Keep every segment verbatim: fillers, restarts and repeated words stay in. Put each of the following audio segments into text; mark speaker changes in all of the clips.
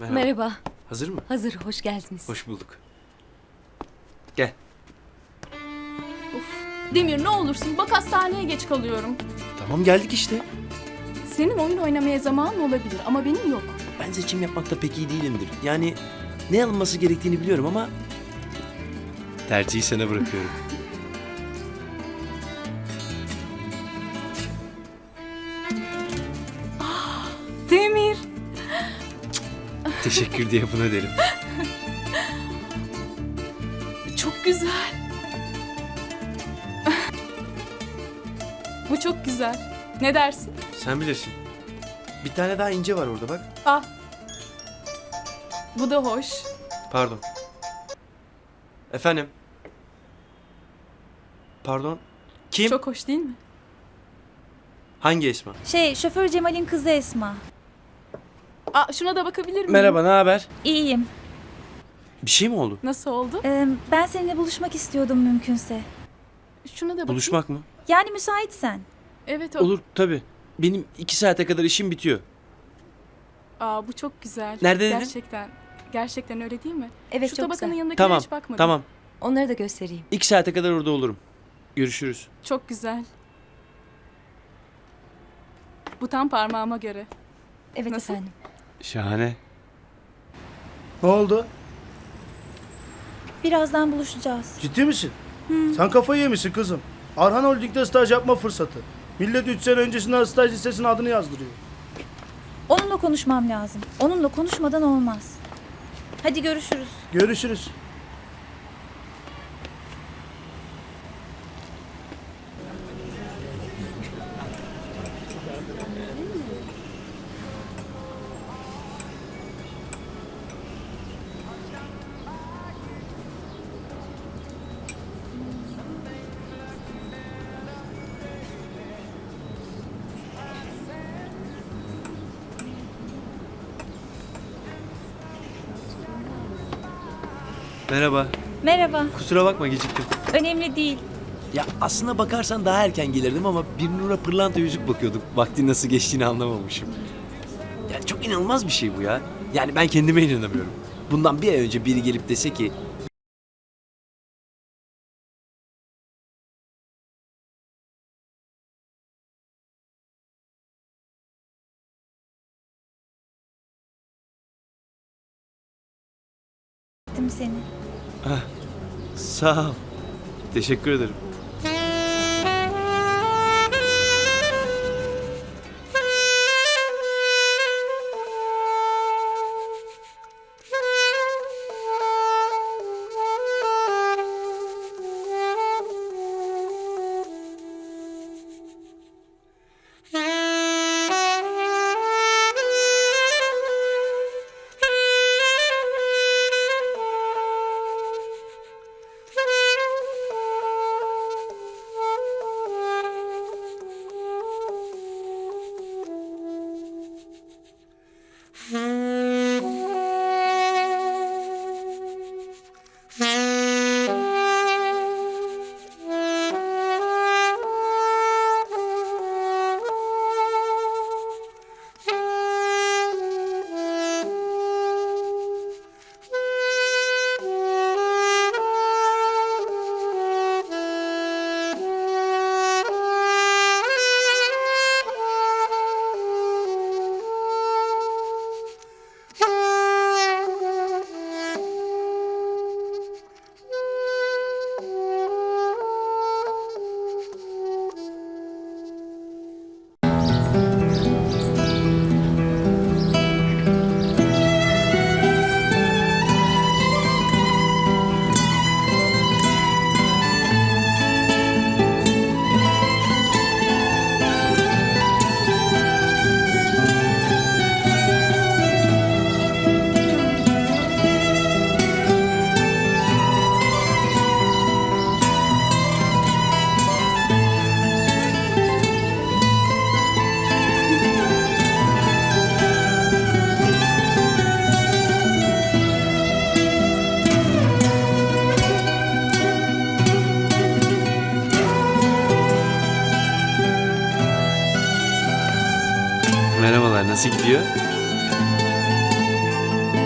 Speaker 1: Merhaba.
Speaker 2: Merhaba.
Speaker 1: Hazır mı?
Speaker 2: Hazır, hoş geldiniz.
Speaker 1: Hoş bulduk. Gel.
Speaker 3: Demir ne olursun bak hastaneye geç kalıyorum.
Speaker 1: Tamam geldik işte.
Speaker 3: Senin oyun oynamaya zamanın olabilir ama benim yok.
Speaker 1: Ben seçim yapmakta pek iyi değilimdir. Yani ne alınması gerektiğini biliyorum ama... Tercihi sana bırakıyorum.
Speaker 3: Demir.
Speaker 1: Teşekkür diye buna derim.
Speaker 3: Çok güzel. Bu çok güzel. Ne dersin?
Speaker 1: Sen bilirsin. Bir tane daha ince var orada bak.
Speaker 3: Ah. Bu da hoş.
Speaker 1: Pardon. Efendim? Pardon? Kim?
Speaker 3: Çok hoş değil mi?
Speaker 1: Hangi Esma?
Speaker 4: Şey, şoför Cemal'in kızı Esma.
Speaker 3: Aa, şuna da bakabilir miyim?
Speaker 1: Merhaba, ne haber?
Speaker 4: İyiyim.
Speaker 1: Bir şey mi oldu?
Speaker 3: Nasıl oldu?
Speaker 4: Ee, ben seninle buluşmak istiyordum mümkünse.
Speaker 3: Şuna da bakayım.
Speaker 1: Buluşmak mı?
Speaker 4: Yani müsaitsen.
Speaker 3: Evet o.
Speaker 1: Olur tabii. Benim iki saate kadar işim bitiyor.
Speaker 3: Aa, bu çok güzel.
Speaker 1: Nerede dedin?
Speaker 3: Gerçekten. Gerçekten öyle değil mi?
Speaker 2: Evet,
Speaker 3: Şu
Speaker 2: çok
Speaker 3: tabakanın
Speaker 2: güzel.
Speaker 3: yanındakine
Speaker 1: Tamam,
Speaker 3: hiç bakmadım.
Speaker 1: tamam.
Speaker 2: Onları da göstereyim.
Speaker 1: İki saate kadar orada olurum. Görüşürüz.
Speaker 3: Çok güzel. Bu tam parmağıma göre.
Speaker 2: Evet
Speaker 3: Nasıl?
Speaker 2: efendim.
Speaker 1: Şahane.
Speaker 5: Ne oldu?
Speaker 4: Birazdan buluşacağız.
Speaker 5: Ciddi misin? Sen kafayı yemişsin kızım. Arhan Holding'de staj yapma fırsatı. Millet üç sene öncesinden staj listesine adını yazdırıyor.
Speaker 4: Onunla konuşmam lazım. Onunla konuşmadan olmaz. Hadi görüşürüz.
Speaker 5: Görüşürüz.
Speaker 1: Merhaba.
Speaker 4: Merhaba.
Speaker 1: Kusura bakma geciktim.
Speaker 4: Önemli değil.
Speaker 1: Ya aslına bakarsan daha erken gelirdim ama bir Nur'a pırlanta yüzük bakıyorduk. Vaktin nasıl geçtiğini anlamamışım. Ya çok inanılmaz bir şey bu ya. Yani ben kendime inanamıyorum. Bundan bir ay önce biri gelip dese ki...
Speaker 4: Gittim seni.
Speaker 1: Sağ ol. Teşekkür ederim. Merhabalar, nasıl gidiyor?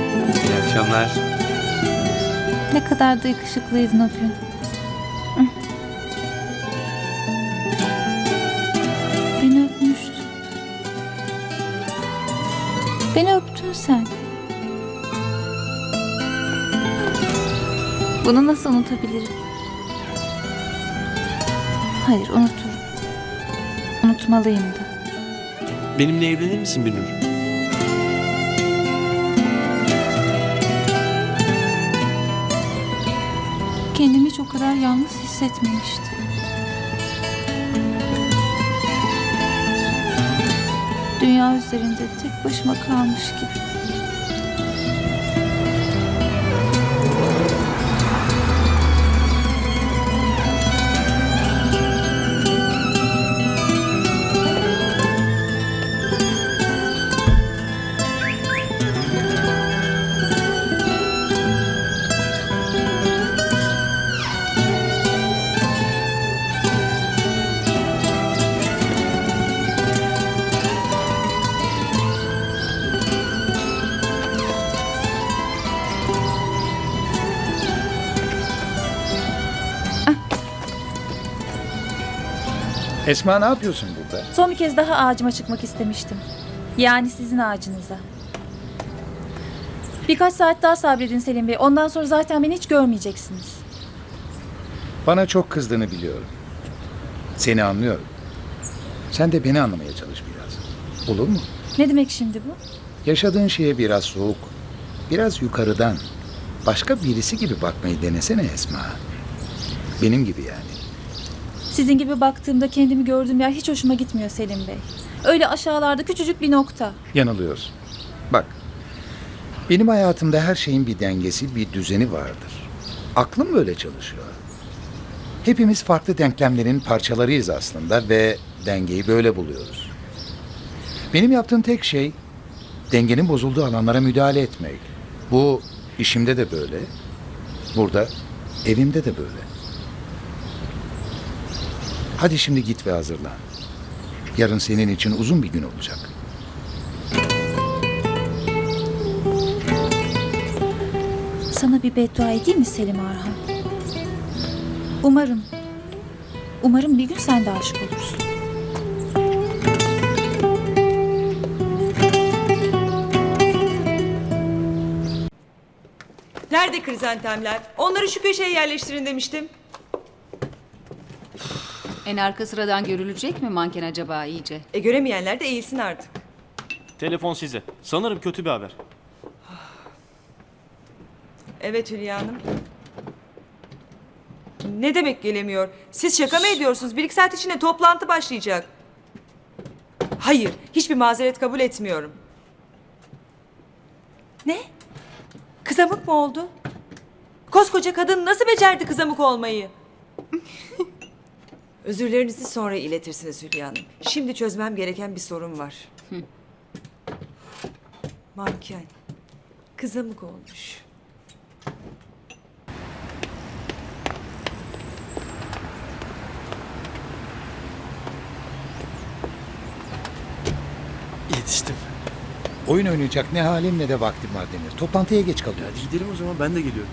Speaker 1: akşamlar.
Speaker 4: Ne kadar da yakışıklıydın o gün. Hı. Beni öpmüştün. Beni öptün sen. Bunu nasıl unutabilirim? Hayır, unuturum. Unutmalıyım da.
Speaker 1: Benimle evlenir misin Binur?
Speaker 4: Kendimi hiç o kadar yalnız hissetmemiştim. Dünya üzerinde tek başıma kalmış gibi.
Speaker 6: Esma ne yapıyorsun burada?
Speaker 4: Son bir kez daha ağacıma çıkmak istemiştim. Yani sizin ağacınıza. Birkaç saat daha sabredin Selim Bey. Ondan sonra zaten beni hiç görmeyeceksiniz.
Speaker 6: Bana çok kızdığını biliyorum. Seni anlıyorum. Sen de beni anlamaya çalış biraz. Olur mu?
Speaker 4: Ne demek şimdi bu?
Speaker 6: Yaşadığın şeye biraz soğuk, biraz yukarıdan, başka birisi gibi bakmayı denesene Esma. Benim gibi yani.
Speaker 4: Sizin gibi baktığımda kendimi gördüğüm yer hiç hoşuma gitmiyor Selim Bey. Öyle aşağılarda küçücük bir nokta.
Speaker 6: Yanılıyorsun. Bak, benim hayatımda her şeyin bir dengesi, bir düzeni vardır. Aklım böyle çalışıyor. Hepimiz farklı denklemlerin parçalarıyız aslında ve dengeyi böyle buluyoruz. Benim yaptığım tek şey dengenin bozulduğu alanlara müdahale etmek. Bu işimde de böyle, burada, evimde de böyle. Hadi şimdi git ve hazırlan. Yarın senin için uzun bir gün olacak.
Speaker 4: Sana bir beddua edeyim mi Selim Arhan? Umarım, umarım bir gün sen de aşık olursun.
Speaker 7: Nerede krizantemler? Onları şu köşeye yerleştirin demiştim.
Speaker 2: En arka sıradan görülecek mi manken acaba iyice?
Speaker 7: E göremeyenler de eğilsin artık.
Speaker 8: Telefon size. Sanırım kötü bir haber.
Speaker 7: Evet Hülya Hanım. Ne demek gelemiyor? Siz şaka mı ediyorsunuz? Bir iki saat içinde toplantı başlayacak. Hayır, hiçbir mazeret kabul etmiyorum. Ne? Kızamık mı oldu? Koskoca kadın nasıl becerdi kızamık olmayı? Özürlerinizi sonra iletirsiniz Hülya Hanım. Şimdi çözmem gereken bir sorun var. Manken. Kızamık olmuş.
Speaker 1: Yetiştim.
Speaker 6: Oyun oynayacak ne halim ne de vaktim var Demir. Toplantıya geç kalıyoruz.
Speaker 1: Hadi gidelim o zaman, ben de geliyorum.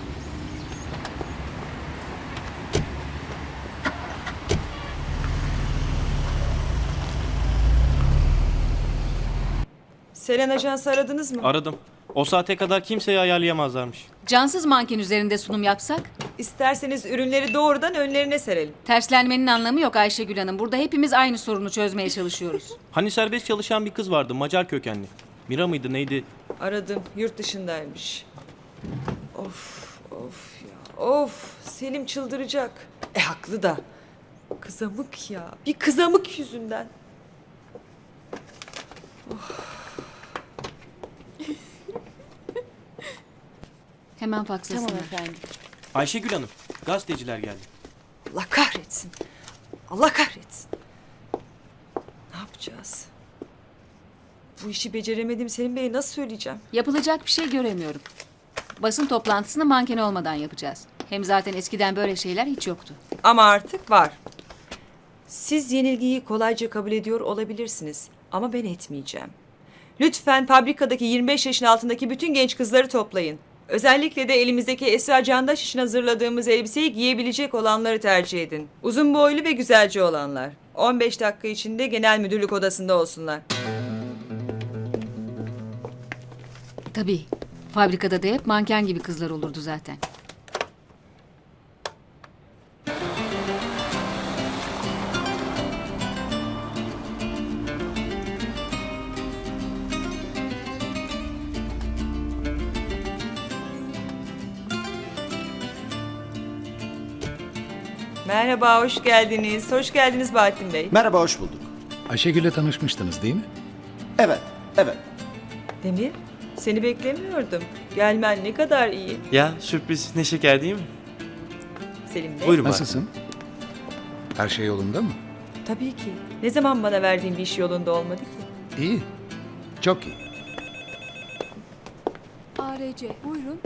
Speaker 7: Selen Ajans'ı aradınız mı?
Speaker 8: Aradım. O saate kadar kimseyi ayarlayamazlarmış.
Speaker 2: Cansız manken üzerinde sunum yapsak?
Speaker 7: İsterseniz ürünleri doğrudan önlerine serelim.
Speaker 2: Terslenmenin anlamı yok Ayşegül Hanım. Burada hepimiz aynı sorunu çözmeye çalışıyoruz.
Speaker 8: Hani serbest çalışan bir kız vardı, Macar kökenli. Mira mıydı neydi?
Speaker 7: Aradım, yurt dışındaymış. Of, of ya, of. Selim çıldıracak. E haklı da. Kızamık ya, bir kızamık yüzünden.
Speaker 2: Hemen fakslasınlar.
Speaker 7: Tamam efendim.
Speaker 8: Ayşegül Hanım, gazeteciler geldi.
Speaker 7: Allah kahretsin. Allah kahretsin. Ne yapacağız? Bu işi beceremedim Selim Bey'e nasıl söyleyeceğim?
Speaker 2: Yapılacak bir şey göremiyorum. Basın toplantısını manken olmadan yapacağız. Hem zaten eskiden böyle şeyler hiç yoktu.
Speaker 7: Ama artık var. Siz yenilgiyi kolayca kabul ediyor olabilirsiniz. Ama ben etmeyeceğim. Lütfen fabrikadaki yirmi beş yaşın altındaki bütün genç kızları toplayın. Özellikle de elimizdeki Esra Candaş için hazırladığımız elbiseyi giyebilecek olanları tercih edin. Uzun boylu ve güzelce olanlar. on beş dakika içinde genel müdürlük odasında olsunlar.
Speaker 2: Tabii. Fabrikada da hep manken gibi kızlar olurdu zaten.
Speaker 7: Merhaba, hoş geldiniz. Hoş geldiniz Bahattin Bey.
Speaker 9: Merhaba, hoş bulduk.
Speaker 6: Ayşegül'le tanışmıştınız değil mi?
Speaker 9: Evet, evet.
Speaker 7: Demir, seni beklemiyordum. Gelmen ne kadar iyi.
Speaker 1: Ya sürpriz ne şeker değil mi?
Speaker 7: Selim Bey.
Speaker 1: Buyurun bari.
Speaker 6: Nasılsın? Her şey yolunda mı?
Speaker 7: Tabii ki. Ne zaman bana verdiğin bir iş yolunda olmadı ki?
Speaker 6: İyi. Çok iyi.
Speaker 3: A R C buyurun.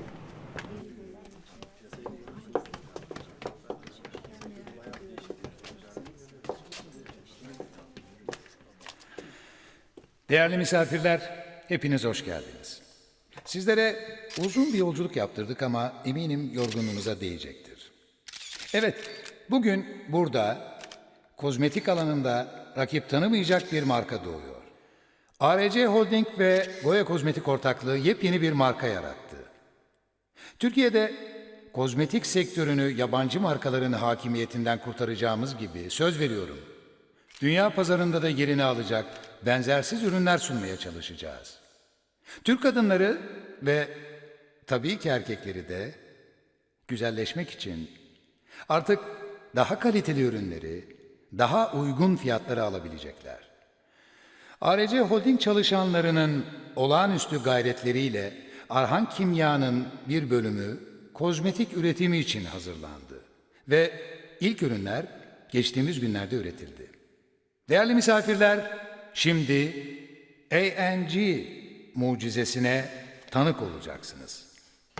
Speaker 6: Değerli misafirler, hepiniz hoş geldiniz. Sizlere uzun bir yolculuk yaptırdık ama eminim yorgunluğunuza değecektir. Evet, bugün burada kozmetik alanında rakip tanımayacak bir marka doğuyor. A R C Holding ve Goya Kozmetik ortaklığı yepyeni bir marka yarattı. Türkiye'de kozmetik sektörünü yabancı markaların hakimiyetinden kurtaracağımız gibi söz veriyorum. Dünya pazarında da yerini alacak benzersiz ürünler sunmaya çalışacağız. Türk kadınları ve tabii ki erkekleri de güzelleşmek için artık daha kaliteli ürünleri, daha uygun fiyatlara alabilecekler. A R C Holding çalışanlarının olağanüstü gayretleriyle Arhan Kimya'nın bir bölümü kozmetik üretimi için hazırlandı ve ilk ürünler geçtiğimiz günlerde üretildi. Değerli misafirler, şimdi A N G mucizesine tanık olacaksınız.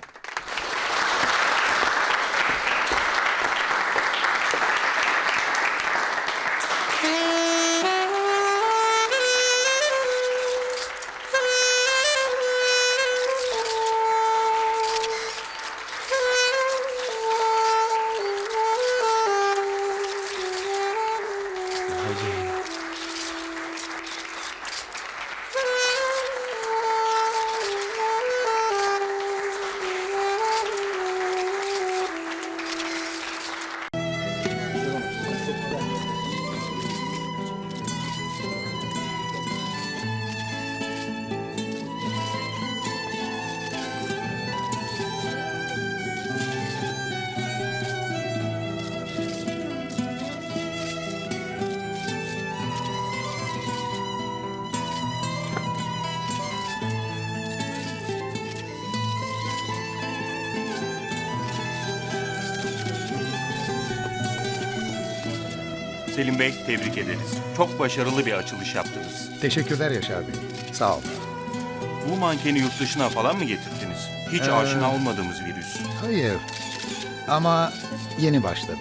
Speaker 10: Selim Bey, tebrik ederiz. Çok başarılı bir açılış yaptınız.
Speaker 6: Teşekkürler Yaşar Bey. Sağ olun.
Speaker 10: Bu mankeni yurt dışına falan mı getirdiniz? Hiç
Speaker 6: Ee,
Speaker 10: aşina olmadığımız virüs.
Speaker 6: Hayır. Ama yeni başladı.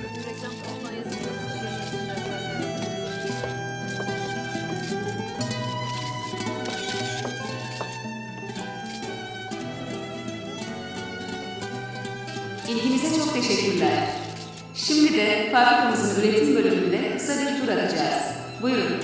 Speaker 2: İlginize çok teşekkürler. Şimdi de fabrikamızın üretim bölümünde kısa bir tur atacağız. Buyurun.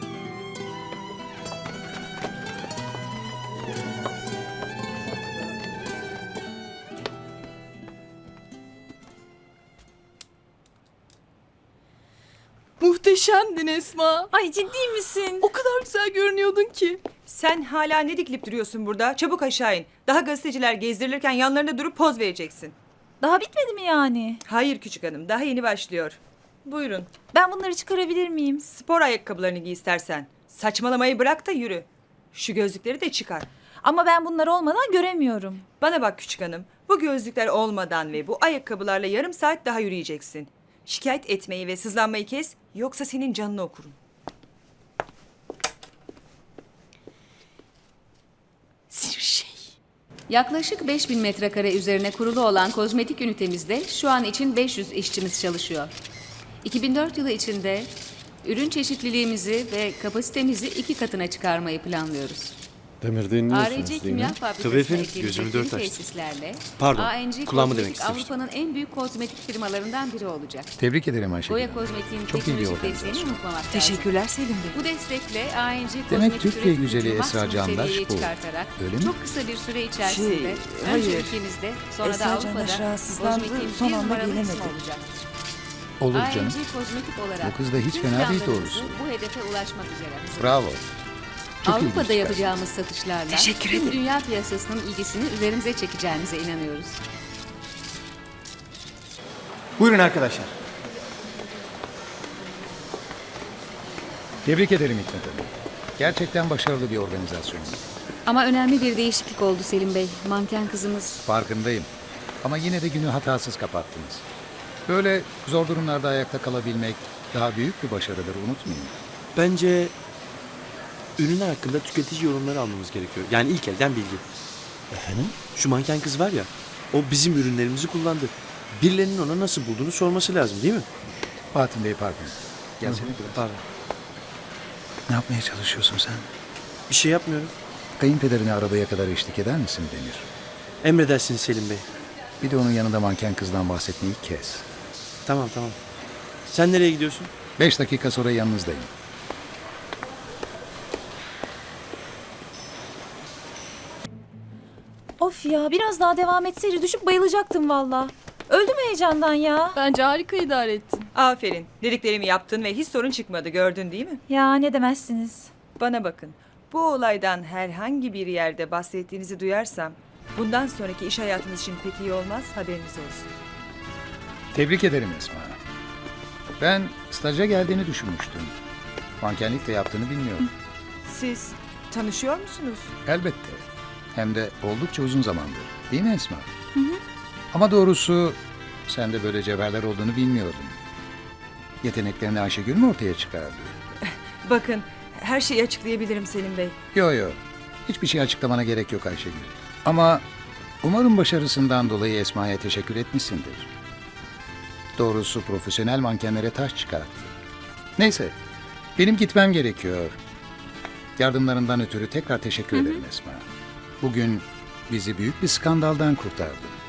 Speaker 3: Muhteşemdin Esma.
Speaker 4: Ay ciddi misin?
Speaker 3: O kadar güzel görünüyordun ki.
Speaker 7: Sen hala ne diklip duruyorsun burada? Çabuk aşağı in. Daha gazeteciler gezdirilirken yanlarında durup poz vereceksin.
Speaker 4: Daha bitmedi mi yani?
Speaker 7: Hayır küçük hanım, daha yeni başlıyor. Buyurun.
Speaker 4: Ben bunları çıkarabilir miyim?
Speaker 7: Spor ayakkabılarını giy istersen. Saçmalamayı bırak da yürü. Şu gözlükleri de çıkar.
Speaker 4: Ama ben bunlar olmadan göremiyorum.
Speaker 7: Bana bak küçük hanım. Bu gözlükler olmadan ve bu ayakkabılarla yarım saat daha yürüyeceksin. Şikayet etmeyi ve sızlanmayı kes, yoksa senin canını okurum.
Speaker 3: Sinir şey.
Speaker 2: Yaklaşık beş bin metrekare üzerine kurulu olan kozmetik ünitemizde şu an için beş yüz işçimiz çalışıyor. iki bin dört yılı içinde ürün çeşitliliğimizi ve kapasitemizi iki katına çıkarmayı planlıyoruz.
Speaker 11: Demir
Speaker 2: A R C
Speaker 11: dinliyorsunuz değil
Speaker 2: Kimya
Speaker 11: mi?
Speaker 1: Tabii
Speaker 2: Fabrikası'na
Speaker 1: efendim,
Speaker 2: ekleyecek
Speaker 1: gözümü
Speaker 2: yeni
Speaker 1: dört açtım.
Speaker 2: tesislerle
Speaker 1: Pardon,
Speaker 2: A N G
Speaker 1: kulağımı demek
Speaker 2: Kozmetik
Speaker 1: istemiştim.
Speaker 2: Avrupa'nın en büyük kozmetik firmalarından biri olacak.
Speaker 6: Tebrik ederim Ayşegül
Speaker 2: Goya
Speaker 6: Hanım.
Speaker 2: Kozmetik'in
Speaker 6: Çok iyi bir
Speaker 2: teknolojik
Speaker 6: organizasyon.
Speaker 2: desteğini unutmamak lazım.
Speaker 7: Teşekkürler Selim Bey.
Speaker 2: Bu destekle A N G
Speaker 6: Demek
Speaker 2: Kozmetik
Speaker 6: Türkiye
Speaker 2: üretim
Speaker 6: güzeli
Speaker 2: gücünü
Speaker 6: Esra
Speaker 2: maksimum
Speaker 6: Candaş
Speaker 2: seviyeye
Speaker 6: bu.
Speaker 2: çıkartarak
Speaker 6: Öyle mi?
Speaker 2: çok kısa bir süre içerisinde
Speaker 7: Şey,
Speaker 2: önce
Speaker 7: hayır.
Speaker 2: ülkemizde sonra da
Speaker 7: Esra Candaş
Speaker 2: Avrupa'da
Speaker 7: rahatsızlandı,
Speaker 2: kozmetiğin
Speaker 7: son
Speaker 2: bir
Speaker 7: anda
Speaker 2: numaralı ismi
Speaker 7: gelemedi.
Speaker 2: olacaktır.
Speaker 6: Olur
Speaker 2: A N G
Speaker 6: canım.
Speaker 2: Kozmetik olarak
Speaker 6: Bu kız da hiç
Speaker 2: tüm
Speaker 6: fena değil
Speaker 2: planlarımızı
Speaker 6: doğrusu.
Speaker 2: bu hedefe ulaşmak üzere hazırız.
Speaker 6: Bravo. Çok
Speaker 2: Avrupa'da
Speaker 6: ilginç.
Speaker 2: yapacağımız satışlarla
Speaker 7: Teşekkür
Speaker 2: tüm
Speaker 7: ederim.
Speaker 2: dünya piyasasının ilgisini üzerimize çekeceğinize inanıyoruz.
Speaker 1: Buyurun arkadaşlar.
Speaker 6: Tebrik ederim Hikmet Hanım. Gerçekten başarılı bir organizasyon.
Speaker 2: Ama önemli bir değişiklik oldu Selim Bey. Manken kızımız.
Speaker 6: Farkındayım. Ama yine de günü hatasız kapattınız. Böyle zor durumlarda ayakta kalabilmek daha büyük bir başarıdır, unutmayın.
Speaker 1: Bence ürünler hakkında tüketici yorumları almamız gerekiyor. Yani ilk elden bilgi.
Speaker 11: Efendim?
Speaker 1: Şu manken kız var ya, o bizim ürünlerimizi kullandı. Birilerinin ona nasıl bulduğunu sorması lazım değil mi?
Speaker 6: Fatih Bey pardon. Gelsene biraz.
Speaker 1: Pardon.
Speaker 6: Ne yapmaya çalışıyorsun sen?
Speaker 1: Bir şey yapmıyorum.
Speaker 6: Kayınpederine arabaya kadar eşlik eder misin Demir?
Speaker 1: Emredersiniz Selim Bey.
Speaker 6: Bir de onun yanında manken kızdan bahsetmeyi kes.
Speaker 1: Tamam tamam. Sen nereye gidiyorsun?
Speaker 6: Beş dakika sonra yanınızdayım.
Speaker 4: Of ya biraz daha devam etseydi düşüp bayılacaktım valla. Öldüm heyecandan ya.
Speaker 3: Bence harika idare ettin.
Speaker 7: Aferin. Dediklerimi yaptın ve hiç sorun çıkmadı, gördün değil mi?
Speaker 4: Ya ne demezsiniz.
Speaker 7: Bana bakın. Bu olaydan herhangi bir yerde bahsettiğinizi duyarsam bundan sonraki iş hayatınız için pek iyi olmaz, haberiniz olsun.
Speaker 6: Tebrik ederim Esma. Ben staja geldiğini düşünmüştüm. Mankenlik de yaptığını bilmiyorum.
Speaker 7: Siz tanışıyor musunuz?
Speaker 6: Elbette. Hem de oldukça uzun zamandır. Değil mi Esma? Ama doğrusu sen de böyle cevherler olduğunu bilmiyordum. Yeteneklerini Ayşegül mü ortaya çıkardı?
Speaker 7: Bakın, her şeyi açıklayabilirim Selim Bey.
Speaker 6: Yo yo. Hiçbir şey açıklamana gerek yok Ayşegül. Ama umarım başarısından dolayı Esma'ya teşekkür etmişsindir. Doğrusu profesyonel mankenlere taş çıkarttı. Neyse, benim gitmem gerekiyor. Yardımlarından ötürü tekrar teşekkür ederim Esma. Bugün bizi büyük bir skandaldan kurtardı.